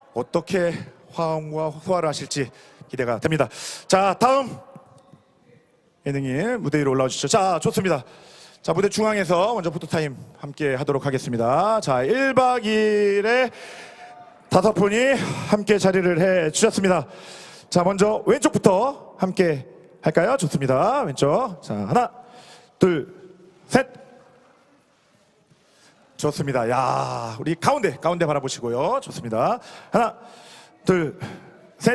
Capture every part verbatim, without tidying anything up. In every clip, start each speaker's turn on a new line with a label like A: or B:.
A: 어떻게 화음과 소화를 하실지 기대가 됩니다. 자, 다음 예능이 무대 위로 올라와 주시죠. 자, 좋습니다. 자, 무대 중앙에서 먼저 포토타임 함께 하도록 하겠습니다. 자, 일 박 이 일에 다섯 분이 함께 자리를 해 주셨습니다. 자, 먼저 왼쪽부터 함께 할까요? 좋습니다. 왼쪽. 자, 하나, 둘, 셋. 좋습니다. 야, 우리 가운데, 가운데 바라보시고요. 좋습니다. 하나, 둘, 셋.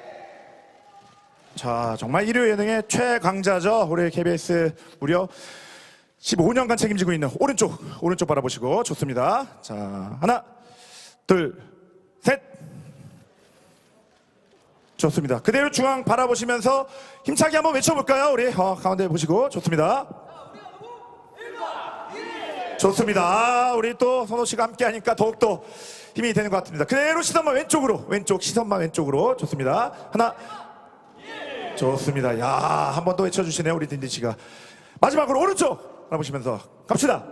A: 자, 정말 일요 예능의 최강자죠. 우리 케이비에스 무려 십오 년간 책임지고 있는 오른쪽, 오른쪽 바라보시고 좋습니다. 자, 하나, 둘, 셋. 좋습니다. 그대로 중앙 바라보시면서 힘차게 한번 외쳐볼까요? 우리 어, 가운데 보시고 좋습니다. 좋습니다. 아, 우리 또 선호 씨가 함께 하니까 더욱더 힘이 되는 것 같습니다. 그대로 시선만 왼쪽으로, 왼쪽 시선만 왼쪽으로. 좋습니다. 하나, 좋습니다. 야, 한 번 더 외쳐주시네요, 우리 딘딘 씨가. 마지막으로 오른쪽 바라보시면서 갑시다.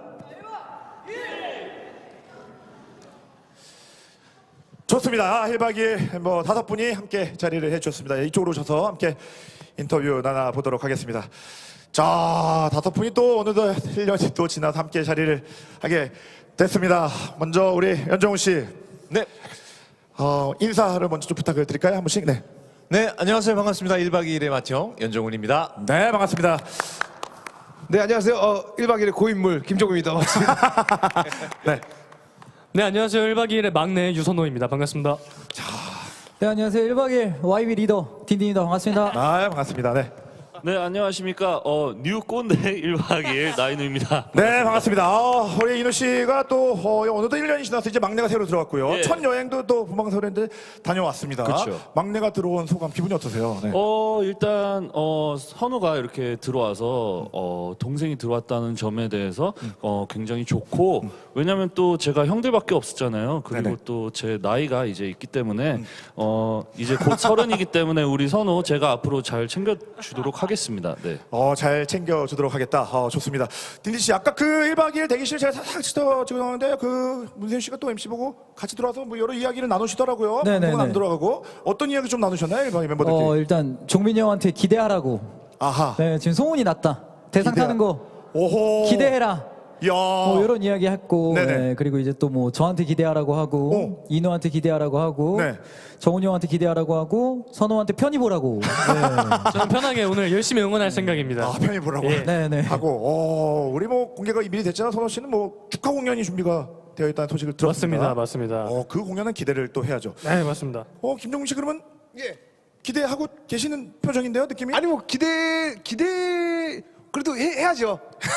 A: 좋습니다. 일 박 이 일 뭐 다섯 분이 함께 자리를 해주셨습니다. 이쪽으로 오셔서 함께 인터뷰 나눠보도록 하겠습니다. 자, 다섯 분이 또 어느덧 일 년이 또 지나서 함께 자리를 하게 됐습니다. 먼저 우리 연정훈 씨,
B: 네.
A: 어, 인사를 먼저 좀 부탁을 드릴까요? 한 분씩. 네.
B: 네, 안녕하세요. 반갑습니다. 일 박 이 일의 맏형 연정훈입니다.
A: 네, 반갑습니다.
C: 네, 안녕하세요. 어, 일 박 이 일의 고인물 김종국입니다. 반갑습니다.
A: 네.
D: 네, 안녕하세요. 일 박 이 일의 막내 유선호입니다. 반갑습니다.
E: 네, 안녕하세요. 일 박 이 일 와이비 리더 딘딘입니다. 반갑습니다.
A: 아, 반갑습니다. 네.
F: 네, 안녕하십니까. 어, 뉴 꼰대 일 박 이 일 나인우입니다.
A: 네, 반갑습니다. 어, 우리 인우 씨가 또 어, 어느덧 일 년이 지나서 이제 막내가 새로 들어왔고요.
F: 예.
A: 첫 여행도 또 본방사수인데 다녀왔습니다.
F: 그쵸.
A: 막내가 들어온 소감, 기분이 어떠세요? 네.
F: 어, 일단 어, 선우가 이렇게 들어와서 어, 동생이 들어왔다는 점에 대해서 어, 굉장히 좋고, 왜냐면 또 제가 형들밖에 없었잖아요. 그리고
A: 네네.
F: 또 제 나이가 이제 있기 때문에 어, 이제 곧 서른이기 때문에 우리 선우 제가 앞으로 잘 챙겨주도록 하겠습니다. 네.
A: 어, 잘 챙겨주도록 하겠다. 어, 좋습니다. 딘딘 씨, 아까 그 일 박 이 일 대기실 제가 살짝 찍었는데 그 문세윤 씨가 또 엠씨 보고 같이 들어와서 뭐 여러 이야기를 나누시더라고요.
E: 네네네.
A: 방송은 안 들어가고 어떤 이야기 좀 나누셨나요, 일 박 이 일 멤버들끼리?
E: 어, 일단 종민이 형한테 기대하라고.
A: 아하.
E: 네, 지금 소문이 났다. 대상
A: 기대하-
E: 타는 거
A: 오호.
E: 기대해라.
A: 야.
E: 뭐 이런 이야기 했고,
A: 네네.
E: 네, 그리고 이제 또 뭐 저한테 기대하라고 하고,
A: 오.
E: 인호한테 기대하라고 하고,
A: 네.
E: 정훈이 형한테 기대하라고 하고, 선호한테 편히 보라고. 네.
D: 저는 편하게 오늘 열심히 응원할 생각입니다.
A: 아, 편히 보라고.
D: 예.
E: 네, 네.
A: 하고, 어, 우리 뭐 공개가 미리 됐잖아. 선호 씨는 뭐 축하 공연이 준비가 되어 있다는 소식을 들었습니다.
D: 맞습니다. 맞습니다.
A: 어, 그 공연은 기대를 또 해야죠.
D: 네, 맞습니다.
A: 어, 김종국 씨 그러면
C: 예.
A: 기대하고 계시는 표정인데요, 느낌이?
C: 아니 뭐 기대 기대 그래도 해, 해야죠.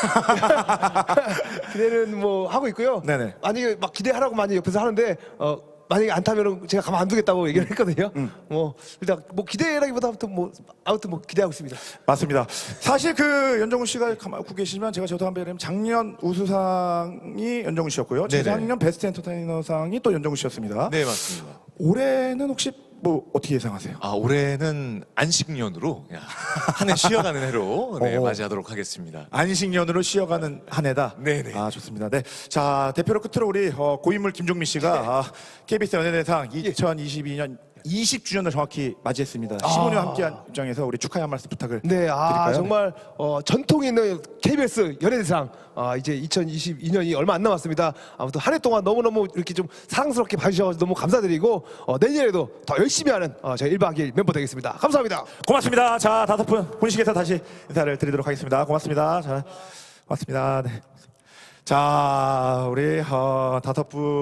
C: 기대는 뭐 하고 있고요.
A: 네네.
C: 만약에 막 기대하라고 많이 옆에서 하는데 어 만약에 안 타면은 제가 가만 안 두겠다고 얘기를 했거든요. 뭐 일단 뭐 기대라기보다 아무튼 뭐 아무튼 뭐 기대하고 있습니다.
A: 맞습니다. 사실 그 연정훈 씨가 가만 보고 계시면 제가 저도 한번 얘기하면 작년 우수상이 연정훈 씨였고요.
B: 네네.
A: 재작년 베스트 엔터테이너상이 또 연정훈 씨였습니다.
B: 네, 맞습니다.
A: 올해는 혹시 뭐 어떻게 예상하세요?
B: 아, 올해는 안식년으로 한 해 쉬어가는 해로 네,
A: 오.
B: 맞이하도록 하겠습니다.
A: 안식년으로 쉬어가는 한 해다.
B: 네네.
A: 아, 좋습니다. 네. 자, 대표로 끝으로 우리 어, 고인물 김종민 씨가 아, 케이비에스 연예대상 이천이십이 년 이십 주년을 정확히 맞이했습니다. 십오 년 함께한 입장에서 우리 축하의 한 말씀 부탁을
C: 네, 아
A: 드릴까요?
C: 정말 어, 전통 있는 케이비에스 연예대상 아, 이제 이천이십이 년이 얼마 안 남았습니다. 아무튼 한 해 동안 너무너무 이렇게 좀 사랑스럽게 봐주셔서 너무 감사드리고 어, 내년에도 더 열심히 하는 어, 저희 일 박 이 일 멤버 되겠습니다. 감사합니다.
A: 고맙습니다. 자, 다섯 분 본식에서 다시 인사를 드리도록 하겠습니다. 고맙습니다. 자, 고맙습니다. 네. 자, 우리 어, 다섯 분